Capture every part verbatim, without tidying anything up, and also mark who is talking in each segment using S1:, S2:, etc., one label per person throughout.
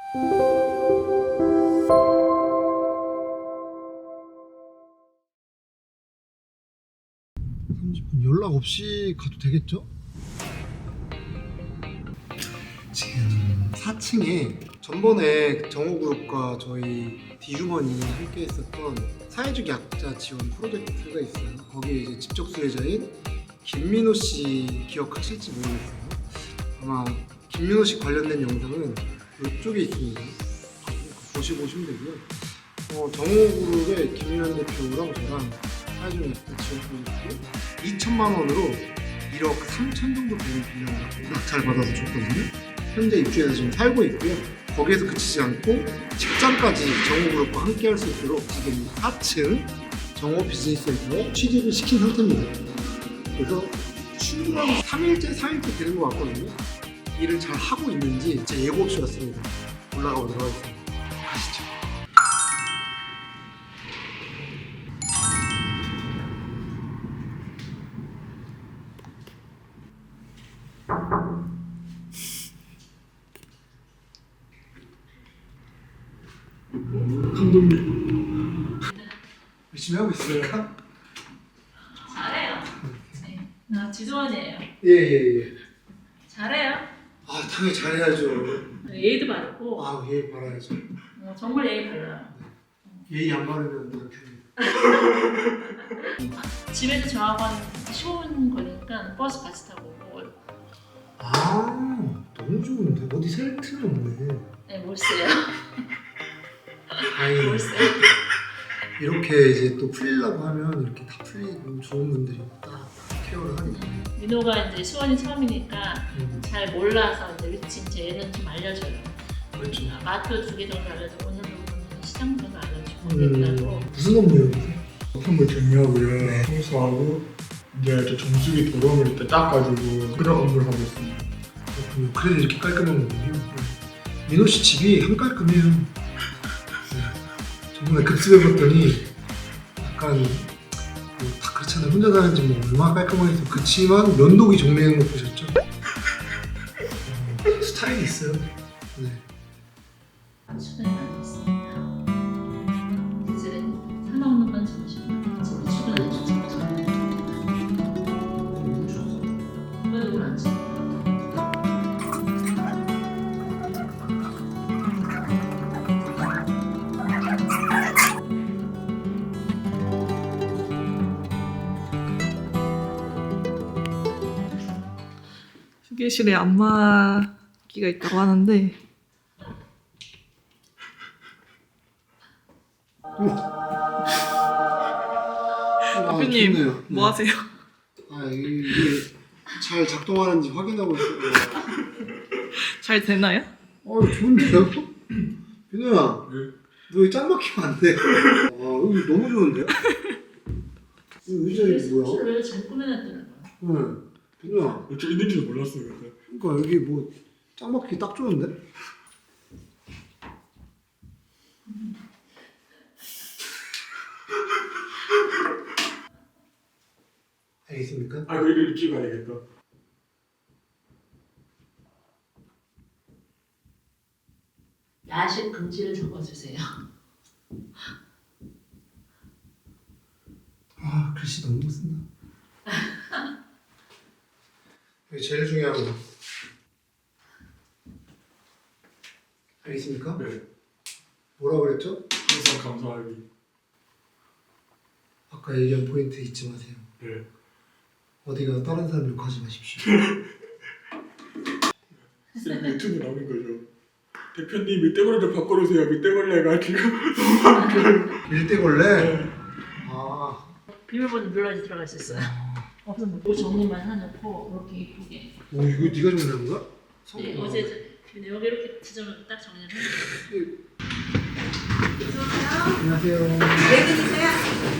S1: 삼십 분 연락 없이 가도 되겠죠? 지금 사 층에 전번에 정호그룹과 저희 디주머니 함께 했었던 사회적 약자 지원 프로젝트가 있어요. 거기에 이제 직접 수혜자인 김민호 씨 기억하실지 모르겠어요. 아마 김민호 씨 관련된 영상은 이쪽에 있습니다. 보시고 오시면 되고요. 어, 정호그룹의 김민환 대표랑 저랑 사회적 약자 지원 프로젝트 이천만 원으로 일억 삼천 정도 되는 분양을 워낙 잘 받아서 줬거든요. 현재 입주해서 지금 살고 있고요. 거기에서 그치지 않고 직장까지 정호그룹과 함께 할 수 있도록 지금 사 층 정호 비즈니스센터에 취직을 시킨 상태입니다. 그래서 출근하고 삼 일째, 사 일째 되는 것 같거든요. 일을 잘 하고 있는지 제 예고 없이 왔습니다. 올라가 보도록 하겠습니다. 가시죠.
S2: 감독님
S1: 열심히 하고 있습니까?
S3: 잘해요. 네. 나 지도원이에요.
S1: 예예예. 예, 예.
S3: 잘해요.
S1: 아 당연히 잘해야죠.
S3: 예의도 바르고
S1: 아 예의 바라야죠.
S3: 어, 정말 예의 발라요.
S1: 예의 안 바르면 남편이.
S3: 집에서 저하고 한 십오 분 걸리니까 버스 같이 타고 오고.
S1: 아 너무 좋은데 어디 셀 틈이 없네.
S3: 네, 몰세요.
S1: 다행히
S3: 몰세.
S1: 이렇게 이제 또 풀리려고 하면 이렇게 다 풀리고 좋은 분들이 딱 케어를 하니까.
S3: 민호가 이제 수원이 처음이니까
S1: 음,
S3: 잘 몰라서 이제 위치 이제 얘는 좀 알려줘요.
S1: 그렇죠.
S3: 아, 마트 두 개 정도 알려주고 오늘 부분은 시장 정도 알려주고
S1: 음,
S3: 그랬다고.
S1: 무슨 업무예요?
S2: 선물 정리하고요.
S1: 네.
S2: 청소하고 이제 저 정수기 더러움을 때 닦아주고 그런 업무를 하고 있습니다.
S1: 그렇군요. 그래서 이렇게 깔끔한 거군요. 민호 씨 집이 한 깔끔해요. 네. 저번에 급습해봤더니 약간 뭐다 그렇잖아요. 혼자 사는지 뭐 얼마나 깔끔하겠어요. 그치만 면도기 정리하는 거 보셨죠? 어, 스타일이 있어요. 네.
S3: 출근이 많았습니다. 이제 사나오는 건 점심. 집에 출근을 줬죠. 왜 누굴 안 쳐?
S4: 휴게실에 안마기가 있다고 하는데
S1: 아,
S4: 대표님
S1: 좋네요.
S4: 뭐
S1: 네.
S4: 하세요?
S1: 아 이게, 이게 잘 작동하는지 확인하고 있어요.
S4: 잘 되나요?
S1: 어 좋은데요? 민호야,
S2: 네.
S1: 너 여기 짱 막히면 안 돼. 아 여기 너무 좋은데요? 이 의자 이거 뭐야?
S3: 왜 잘 꾸며놨더라고요.
S1: 응. 민호야,
S2: 저 있는지도 몰랐어요. 근데.
S1: 그러니까 여기 뭐 짱 막히기 딱 좋은데? 알겠습니까?
S2: 아 그리고 이거 찍어야 되겠다.
S3: 야식 금지를 적어주세요.
S1: 아 글씨 너무 못 쓴다. 여기 제일 중요한 거. 알겠습니까?
S2: 네.
S1: 뭐라 그랬죠?
S2: 항상 감사하기.
S1: 아까 얘기한 포인트 잊지 마세요.
S2: 네.
S1: 어디가 다른 사람 욕하지 마십시오.
S2: 쌤 유튜브 나오는 거죠. 대표님 밑대걸레를 바꿔주세요. 밑대걸레가 지금
S1: 일대걸레?
S2: 네.
S1: 아
S3: 비밀번호 눌러지 들어가 있었어요. 없으면 뭐 정리만 해놓고 이렇게 이쁘게.
S1: 뭐 이거 네가 정리한 거야?
S3: 네,
S1: 성공이야.
S3: 어제 근데 여기 이렇게 지점을 딱 정리를 해놨어요.
S1: 안녕하세요.
S5: 얘기 주세요.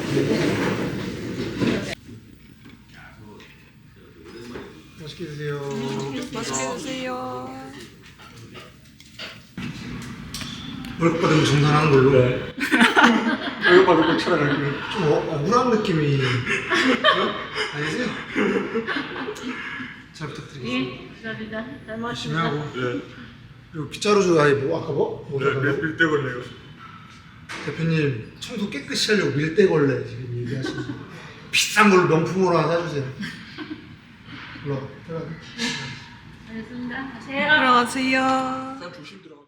S1: 맛있게 드세요.
S4: 맛있게 드세요.
S1: 월급 받으면 정산하는 걸로.
S2: 네. 이거 봐도 꼭 촬영할게요.
S1: 좀 어, 억울한 느낌이 아니지? 잘 부탁드리겠습니다.
S3: 예, 감사합니다. 잘
S1: 열심히
S3: 먹었습니다.
S1: 하고.
S2: 네.
S1: 그리고 빗자루주 아니 뭐 아까 뭐? 뭐
S2: 네,
S1: 사달라고?
S2: 밀대 걸려요.
S1: 대표님 청소 깨끗이 하려고 밀대걸레 지금 얘기하시는 거. 비싼 걸로 명품으로 하나 사주세요. 올라가. 들어가.
S3: 알겠습니다. 가세요.
S4: 들어가세요.
S2: 난 조심 들어가.